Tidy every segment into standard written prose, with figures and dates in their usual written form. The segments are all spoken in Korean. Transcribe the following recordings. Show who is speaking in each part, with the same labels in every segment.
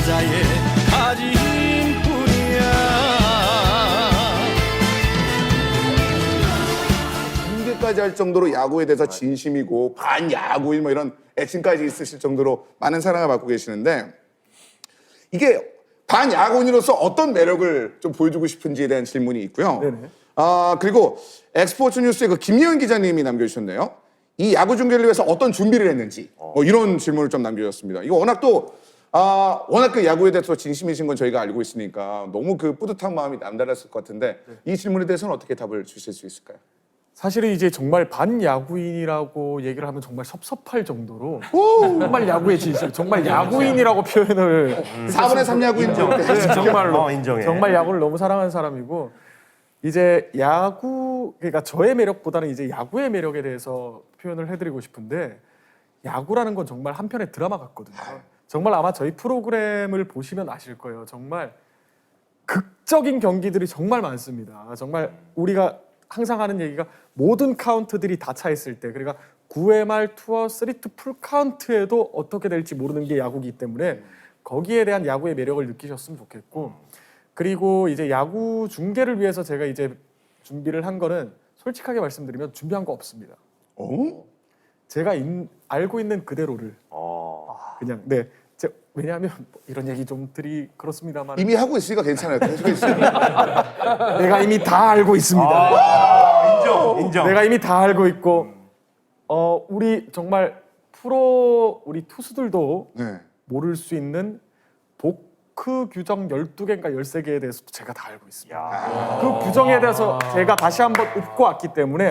Speaker 1: 여자의 가짐뿐이야.
Speaker 2: 공개까지 할 정도로 야구에 대해서 진심이고 반야구인 뭐 이런 애칭까지 있으실 정도로 많은 사랑을 받고 계시는데 이게 반야구인으로서 어떤 매력을 좀 보여주고 싶은지에 대한 질문이 있고요.
Speaker 3: 네네.
Speaker 2: 그리고 엑스포츠 뉴스의 그 김예은 기자님이 남겨주셨네요. 이 야구 중계를 위해서 어떤 준비를 했는지 뭐 이런 질문을 좀 남겨주셨습니다. 이거 워낙 또 워낙 그 야구에 대해서 진심이신 건 저희가 알고 있으니까 너무 그 뿌듯한 마음이 남달랐을 것 같은데 이 질문에 대해서는 어떻게 답을 주실 수 있을까요?
Speaker 3: 사실은 이제 정말 반야구인이라고 얘기를 하면 정말 섭섭할 정도로 정말 야구의 진심, 정말 야구인이라고 표현을
Speaker 2: 4분의 3 야구인
Speaker 3: 정말로
Speaker 4: 인정해.
Speaker 3: 정말 야구를 너무 사랑하는 사람이고 이제 야구 그러니까 저의 매력보다는 이제 야구의 매력에 대해서 표현을 해드리고 싶은데 야구라는 건 정말 한편의 드라마 같거든요. 정말 아마 저희 프로그램을 보시면 아실 거예요. 정말 극적인 경기들이 정말 많습니다. 정말 우리가 항상 하는 얘기가 모든 카운트들이 다 차 있을 때 그러니까 9회 말 투어 3투 풀 카운트에도 어떻게 될지 모르는 게 야구이기 때문에 거기에 대한 야구의 매력을 느끼셨으면 좋겠고 그리고 이제 야구 중계를 위해서 제가 이제 준비를 한 거는 솔직하게 말씀드리면 준비한 거 없습니다. 제가 알고 있는 그대로를 그냥 네. 왜냐하면 뭐 이런 얘기 좀 드리 그렇습니다만
Speaker 2: 이미 하고 있으니까 괜찮아요. 계속 있어요.
Speaker 3: 내가 이미 다 알고 있습니다.
Speaker 4: 인정.
Speaker 3: 내가 이미 다 알고 있고 우리 정말 프로 우리 투수들도
Speaker 2: 네.
Speaker 3: 모를 수 있는 보크 규정 12개인가 13개에 대해서도 제가 다 알고 있습니다. 그 규정에 대해서 제가 다시 한번 읊고 왔기 때문에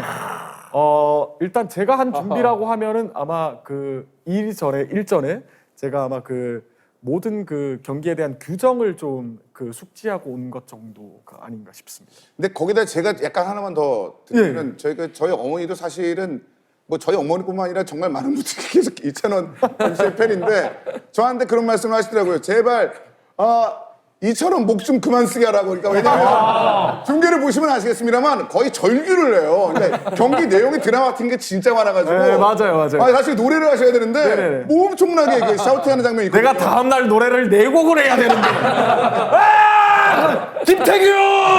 Speaker 3: 일단 제가 한 준비라고 하면은 아마 그 일전에 제가 아마 그 모든 그 경기에 대한 규정을 좀 그 숙지하고 온 것 정도가 아닌가 싶습니다.
Speaker 2: 근데 거기다 제가 약간 하나만 더 드리면 저희 어머니도 사실은 뭐 저희 어머니뿐만 아니라 정말 많은 분들이 계속 이찬원 MC의 팬인데 저한테 그런 말씀을 하시더라고요. 제발 이처럼 목 좀 그만 쓰게 하라고. 그러니까 왜냐면 중계를 보시면 아시겠습니다만 거의 절규를 해요. 그러니까 경기 내용이 드라마 같은 게 진짜 많아가지고.
Speaker 3: 네, 맞아요.
Speaker 2: 사실 노래를 하셔야 되는데
Speaker 3: 네네네.
Speaker 2: 뭐 엄청나게 그 샤우팅하는 장면이 있거든요.
Speaker 3: 내가 다음 날 노래를 4곡을 해야 되는데 김태균!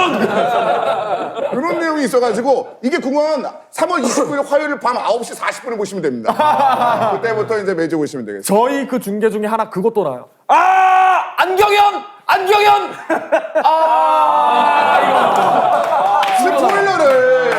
Speaker 2: 그런 내용이 있어가지고 이게 궁금한 3월 29일 화요일 밤 9시 40분에 보시면 됩니다. 그때부터 이제 매주 보시면 되겠습니다.
Speaker 3: 저희 그 중계 중에 하나 그것도 나요. 안경현!
Speaker 2: 스포일러를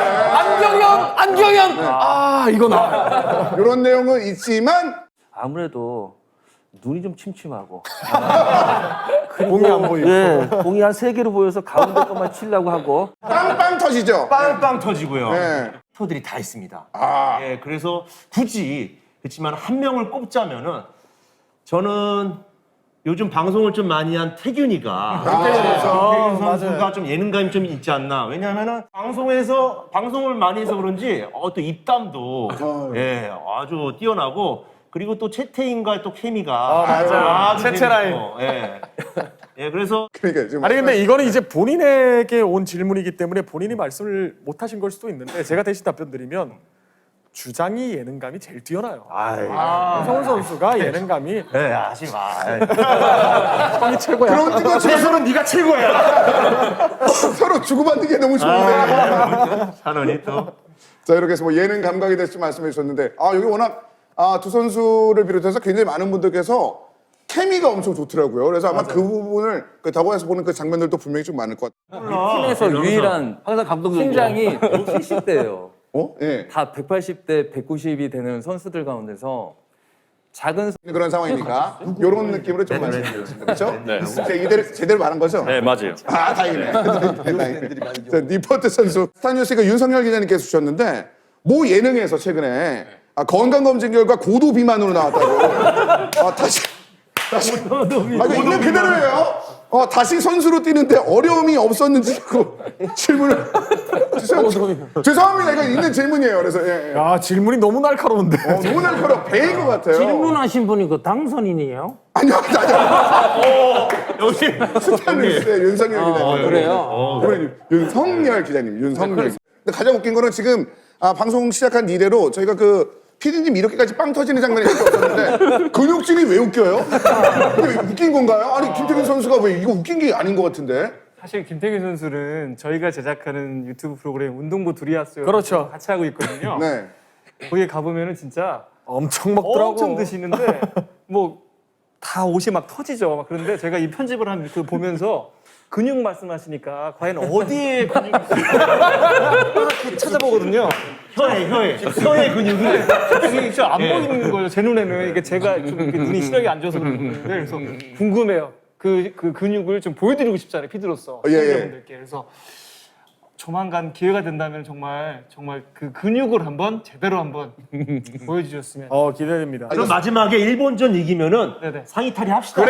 Speaker 3: 안경현! 이거 나.
Speaker 2: 이런 내용은 있지만
Speaker 5: 아무래도 눈이 좀 침침하고
Speaker 3: 공이 안 보이고.
Speaker 5: 네, 공이 한 3개로 보여서 가운데 것만 치려고 하고
Speaker 2: 빵빵 터지죠.
Speaker 4: 빵빵 터지고요.
Speaker 2: 네.
Speaker 4: 터들이 다 있습니다. 예, 그래서 굳이 그렇지만 한 명을 꼽자면은 저는 요즘 방송을 좀 많이 한 태균이가 태균 선수가 좀 예능감이 좀 있지 않나. 왜냐하면은 방송을 많이 해서 그런지 또 입담도 예, 아주 뛰어나고 그리고 또 채태인과 또 케미가 아주
Speaker 3: 채채라인.
Speaker 4: 재밌고, 예. 예, 그래서
Speaker 2: 그러니까 지금
Speaker 3: 아니 근데 이거는 이제 본인에게 온 질문이기 때문에 본인이 말씀을 못 하신 걸 수도 있는데 제가 대신 답변 드리면 주장이 예능감이 제일 뛰어나요. 성훈 선수가 예능감이
Speaker 4: 예, 하지 마.
Speaker 3: 형이 최고야.
Speaker 2: 그런 거
Speaker 4: 최선은 네가 최고야.
Speaker 2: 서로 주고받는 게 너무 좋은데.
Speaker 4: 찬원이 또.
Speaker 2: 자 이렇게 해서 뭐 예능 감각에 대해서 말씀해 주셨는데 여기 워낙 두 선수를 비롯해서 굉장히 많은 분들께서 케미가 엄청 좋더라고요. 그래서 아마 그 부분을 그 더보에서 보는 그 장면들도 분명히 좀 많을 것 같아요.
Speaker 6: 팀에서 유일한
Speaker 5: 항상 감독님
Speaker 6: 팀장이 170대예요.
Speaker 2: 예.
Speaker 6: 다 180대, 190이 되는 선수들 가운데서 작은
Speaker 2: 그런 상황이니까 이런 느낌으로 좀 말씀드렸습니다. 그렇죠? 네. 제대로 말한 거죠?
Speaker 7: 네, 맞아요.
Speaker 2: 다행이네. 자, 니퍼트 선수. 스타뉴스가 윤석열 기자님께서 주셨는데 모 예능에서 최근에 건강검진 결과 고도 비만으로 나왔다고. 다시 이거 있는 그대로예요. 다시 선수로 뛰는데 어려움이 없었는지 그 질문을 죄송합니다. 이거 있는 질문이에요. 그래서 예.
Speaker 3: 야 질문이 너무 날카로운데.
Speaker 2: 너무 날카로워. 배인 것 같아요.
Speaker 8: 질문하신 분이 그 당선인이에요?
Speaker 2: 아니요.
Speaker 4: 역시
Speaker 2: 스타뉴스의 윤석열 기자님.
Speaker 8: 그래요?
Speaker 2: 윤석열 기자님. 윤석열. 근데 가장 웃긴 거는 지금 방송 시작한 이래로 저희가 그 피디님 이렇게까지 빵 터지는 장면이 이렇게 없었는데 근육질이 왜 웃겨요? 이게 웃긴 건가요? 아니 김태균 선수가 왜 이거 웃긴 게 아닌 것 같은데?
Speaker 6: 사실 김태균 선수는 저희가 제작하는 유튜브 프로그램 운동부 두리아스
Speaker 3: 그렇죠.
Speaker 6: 같이 하고 있거든요.
Speaker 2: 네.
Speaker 6: 거기에 가보면은 진짜
Speaker 3: 엄청 먹더라고.
Speaker 6: 엄청 드시는데 뭐 다 옷이 막 터지죠. 막 그런데 제가 이 편집을 한 그 보면서 근육 말씀하시니까 과연 어디에 근육이 있을까 찾아보거든요.
Speaker 4: 혀의 근육을
Speaker 6: 이게 진짜 안 보이는 거예요. 제 눈에는 이게 제가 좀 이렇게 눈이 시력이 안 좋아서 그런데 그래서 궁금해요. 그 근육을 좀 보여드리고 싶잖아요. 피드로서
Speaker 2: 예, 예.
Speaker 6: 시청자분들께. 그래서 조만간 기회가 된다면 정말 그 근육을 한번 제대로 한번 보여주셨으면.
Speaker 3: 기대됩니다.
Speaker 4: 그럼 마지막에 일본전 이기면은
Speaker 6: 네네.
Speaker 4: 상의 탈의 합시다.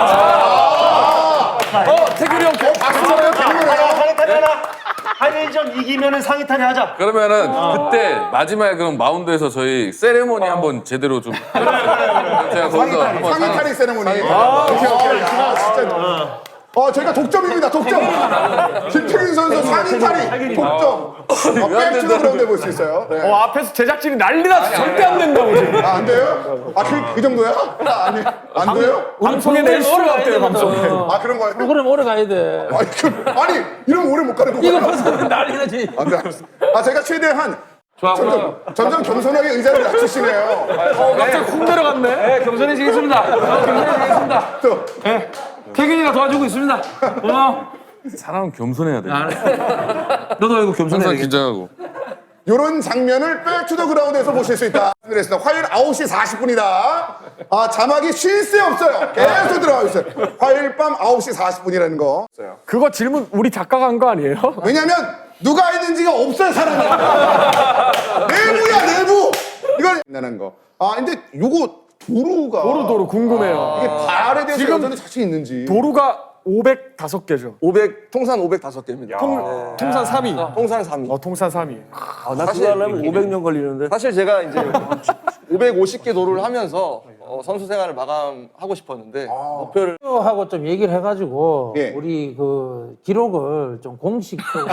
Speaker 3: 태균이 형
Speaker 4: 상의 탈의 하나. 한일전 이기면은 상의 탈의 하자.
Speaker 1: 그러면은 그때 마지막에 그럼 마운드에서 저희 세레모니 한번 제대로 좀 제가 거기서 한번
Speaker 2: 상의 탈의 세레모니. 오케이. 아, 진짜. 저희가 독점입니다. 독점. 김태균 선수 상의 탈의 독점. 백투더 그라운드 해볼 수 있어요. 네.
Speaker 3: 앞에서 제작진이 난리 났어. 절대 안 된다고 지금.
Speaker 2: 안 돼요? 그 정도야? 아니, 안 돼요?
Speaker 3: 방송에 낼 수가 없대요, 방송에.
Speaker 2: 그런 거예요?
Speaker 8: 프로그램 오래 가야 돼.
Speaker 2: 아니, 이러면 오래 못 가는
Speaker 8: 이거
Speaker 2: 거구나.
Speaker 8: 벌써 난리 나지.
Speaker 2: 안 돼, 알았어. 제가 최대한 점점 겸손하게 의자를 낮추시네요.
Speaker 3: 갑자기 훅 내려갔네.
Speaker 8: 네, 겸손해지겠습니다. 겸손해지겠습니다.
Speaker 2: 또,
Speaker 8: 태균이가 도와주고 있습니다.
Speaker 1: 사람은 겸손해야 돼.
Speaker 8: 너도 이거 겸손해야
Speaker 1: 항상
Speaker 8: 돼.
Speaker 1: 긴장하고.
Speaker 2: 이런 장면을 백투더 그라운드에서 보실 수 있다. 화요일 9시 40분이다. 자막이 쉴 새 없어요. 계속 들어가고 있어요. 화요일 밤 9시 40분이라는 거.
Speaker 3: 그거 질문 우리 작가가 한 거 아니에요?
Speaker 2: 왜냐면 누가 했는지가 없어요, 사람이. 내부야, 내부. 이걸 된다는 거. 근데 요거 도루가
Speaker 3: 도루 궁금해요.
Speaker 2: 이게 발에 대해서
Speaker 3: 지금
Speaker 2: 여전히 자신 있는지.
Speaker 3: 도루가 505개죠.
Speaker 7: 500 통산 505개입니다.
Speaker 3: 통산 3위.
Speaker 7: 통산 3위.
Speaker 3: 통산 3위.
Speaker 5: 나 그거 하려면 500년 걸리는데.
Speaker 7: 사실 제가 이제 550개 도루를 하면서 선수 생활을 마감하고 싶었는데 목표를
Speaker 8: 하고 좀 얘기를 해가지고
Speaker 2: 예.
Speaker 8: 우리 그 기록을 좀 공식적으로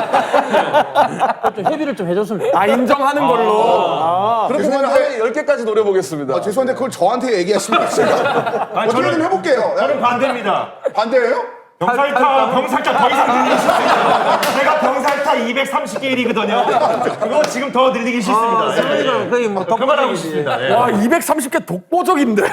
Speaker 8: 좀 협의를 좀 해줬으면 좋겠어요.
Speaker 3: 인정하는 걸로.
Speaker 7: 그렇게 되면 하루에 10개까지 노려보겠습니다.
Speaker 2: 죄송한데 그걸 저한테 얘기하시면 제가 어떻게 좀 해볼게요.
Speaker 4: 저는 반대입니다.
Speaker 2: 반대예요?
Speaker 4: 병살타 더 이상 늘리기 싫습니다. 제가 병살타 230개 1이거든요. 그거 지금 더 늘리기 싫습니다.
Speaker 8: 저희가 거의 뭐
Speaker 4: 그만하고 싶습니다. 예.
Speaker 3: 와 230개 독보적인데.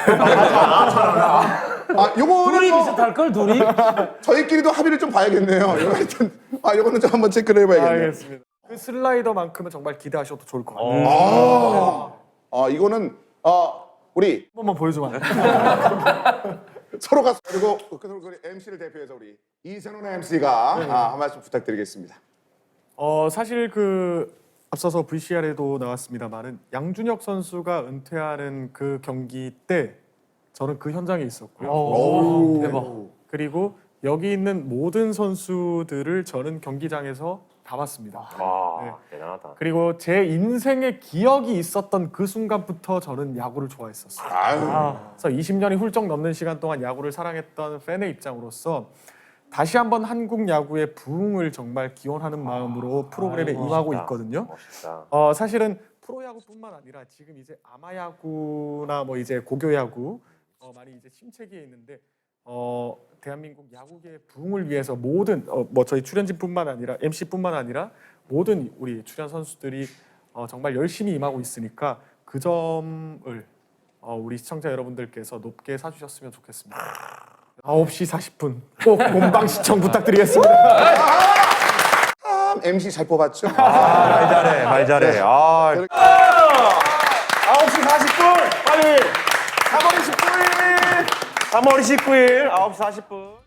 Speaker 2: 요거는
Speaker 8: 둘이 비슷할 걸 둘이.
Speaker 2: 저희끼리도 합의를 좀 봐야겠네요. 이거 하여튼 요거는 좀 한번 체크를 해봐야겠네요.
Speaker 3: 알겠습니다. 그 슬라이더만큼은 정말 기대하셔도 좋을 것 같아요.
Speaker 2: 이거는 우리
Speaker 3: 한 번만 보여주면 안 돼요?
Speaker 2: 서로가 그리고 MC를 대표해서 우리 이선훈 MC가 한 말씀 부탁드리겠습니다.
Speaker 3: 사실 그 앞서서 VCR에도 나왔습니다만은 양준혁 선수가 은퇴하는 그 경기 때 저는 그 현장에 있었고요.
Speaker 6: 대박.
Speaker 3: 그리고 여기 있는 모든 선수들을 저는 경기장에서 다 봤습니다. 네.
Speaker 4: 대단하다.
Speaker 3: 그리고 제 인생의 기억이 있었던 그 순간부터 저는 야구를 좋아했었어요. 그래서 20년이 훌쩍 넘는 시간 동안 야구를 사랑했던 팬의 입장으로서 다시 한번 한국 야구의 부흥을 정말 기원하는 마음으로 프로그램에 임하고 있거든요.
Speaker 4: 멋있다.
Speaker 3: 사실은 프로야구뿐만 아니라 지금 이제 아마야구나 뭐 이제 고교야구 많이 이제 침체기에 있는데 대한민국 야구계의 부흥을 위해서 모든 뭐 저희 출연진뿐만 아니라 MC뿐만 아니라 모든 우리 출연 선수들이 정말 열심히 임하고 있으니까 그 점을 우리 시청자 여러분들께서 높게 사주셨으면 좋겠습니다. 9시 40분 꼭 본방 시청 부탁드리겠습니다.
Speaker 2: MC 잘 뽑았죠?
Speaker 4: 말 잘해. 9시 40분 빨리 3월 19일 9시 40분